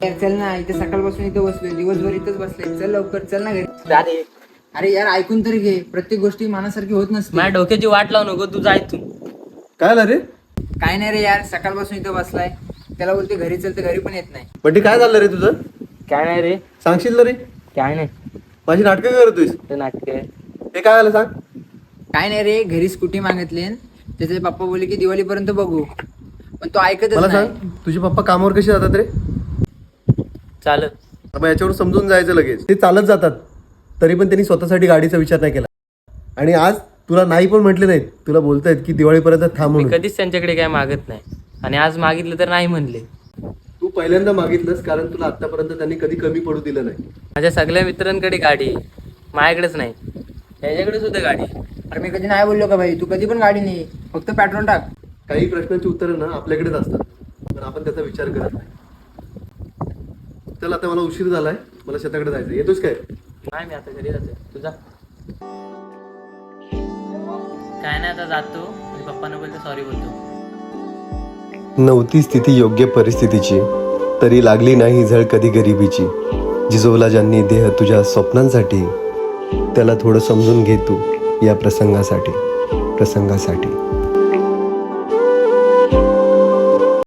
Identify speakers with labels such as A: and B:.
A: यार चल ना, इथे सकाळपासून इथे बसलोय, दिवसभर इथंच बसलोय. चल लवकर, चल ना घरी. अरे यार ऐकून तरी घे, प्रत्येक गोष्टी मनासारखी होत नसते.
B: माझ्या डोक्याची वाट लावू नको, तू जाय तू.
C: काय झालं रे?
A: काय नाही रे यार, सकाळपासून इथं बसलाय, त्याला बोलते घरी चल तर घरी पण येत नाही.
C: बंटी काय झालं रे तुझं?
B: काय नाही रे,
C: सांगशील ना रे?
B: काय नाही.
C: माझी नाटकं करतोयस.
B: ते नाटक आहे.
C: हे काय झालं सांग.
A: काय नाही रे, घरी स्कूटी मागितली, त्याचे पप्पा बोलले की दिवाळीपर्यंत बघू, पण तो ऐकतच
C: मला
A: नाही.
C: सांग, तुझे पप्पा कामावर कसे जातात रे?
B: चालत.
C: मग याच्यावर समजून जायचं लगेच. ते चालत जातात, तरी पण त्यांनी स्वतःसाठी गाडीचा विचार नाही केला. आणि आज तुला नाही पण म्हटले नाहीत, तुला बोलतायत की दिवाळीपर्यंत थांब
B: मी
C: म्हणून.
B: कधीच त्यांच्याकडे काय मागत नाही, आणि आज मागितलं तर नाही म्हणले.
C: तू पहिल्यांदा मागितलंस, कारण तुला आतापर्यंत त्यांनी कधी कमी पडू दिलं नाही.
B: माझ्या सगळ्या मित्रांकडे गाडी आहे, माझ्याकडेच नाही. त्याच्याकडे सुद्धा गाडी आहे.
A: अरे मी कधी नाही बोललो का भाई, तू कधी पण गाडी नाही, फक्त पेट्रोल टाक.
C: काही प्रश्नांची उत्तरं ना आपल्याकडेच असतात, पण आपण त्याचा विचार करत नाही. चल आता मला उशीर झालाय, मला शेताकडे जायचं. येतोस काय?
B: नाही, मी आता घरी जातो. तुझा काय नाही, आता जातो आणि पप्पांना बोलतो सॉरी बोलतो.
C: नव्हती स्थिती योग्य परिस्थितीची, तरी लागली नाही झळ कधी गरिबीची. जिजवला ज्यांनी देह तुझ्या स्वप्नांसाठी, त्याला थोडं समजून घे तू या प्रसंगासाठी.